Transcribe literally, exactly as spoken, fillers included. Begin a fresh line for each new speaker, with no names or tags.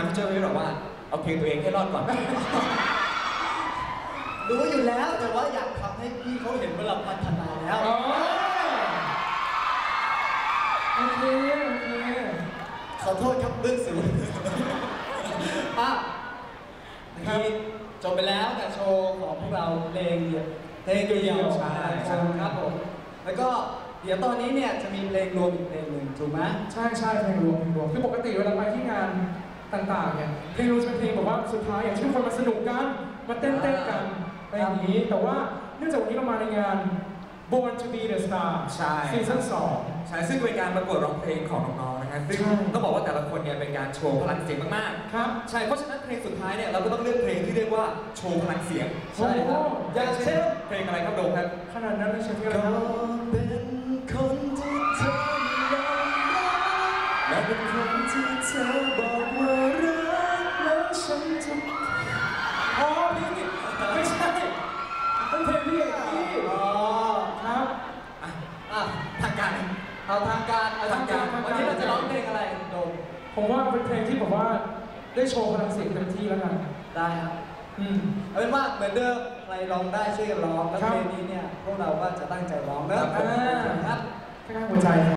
พี่เจ้าไม่บอกว่าเอาเพลงตัวเองให้รอดก่อน
รู้อยู่แล้วแต่ว่าอยากทำให้พี่เขาเห็นว่าเราพัฒนาแล้ว
โอเคโอเค
ขอโทษครับเรื่องสูงอ่ะเมื่อกี้จบไปแล้วกับโชว์ของพวกเราเพลงเดียวเพลงเดียวใช่ครับผมแล้วก็เดี๋ยวตอนนี้เนี่ยจะมีเพลงรวมอีกเพลงหนึ่งถูกไหม
ใช่ใช่เพลงรวมเพลงรวมคือปกติเวลาไปที่งานต่างๆเนี่ยเพลงรวมจะเป็นเพลงแบบว่าสุดท้ายอย่างที่ทุกคนมาสนุกกันมาเต้นๆกันอะไรอย่างนี้แต่ว่าเนื่องจากวันนี้เรามาในงาน Born to be the Star ซีซั่นสอง
ใช่ซึ่งเป็นการประกวดร้องเพลงของน้องๆนะครับซึ่งต้องบอกว่าแต่ละคนเนี่ยเป็นการโชว์พลังเสียงมากๆครับใช่เพราะฉะนั้นเพลงสุดท้ายเนี่ยเราก็ต้องเลือกเพลงที่เรียกว่าโชว์พลังเสียง
ใช่ครับ
อย่างเช่นเพลงอะไรครับโดมครับ
ขนาดนั้นเลยใช่ไหมค
รั
บ
เป็นคนที่เธอไม่ยอมรับและเป็นคนที่เธอบอกว่ารักแล้วฉันจะ
อ๋อพี่ไม่ใช่เป็นเพลงพี่เอกพี่
อ๋อ
ครับ
อ่ะทางการเอาทางการเอาทางการวันนี้เราจะร้องเพลงอะไรโดม
ผมว่าเป็นเพลงที่แบบว่าได้โชว์พลังเสียงเต็มที่แล้วกัน
ได้ครับ
อืม
เอาเป็นว่าเหมือนเดิมใครร้องได้ช่วยกันร้องแล้วเพลงนี้เนี่ยพวกเราก็จะตั้งใจร้องนะครับ
แค่หัวใจ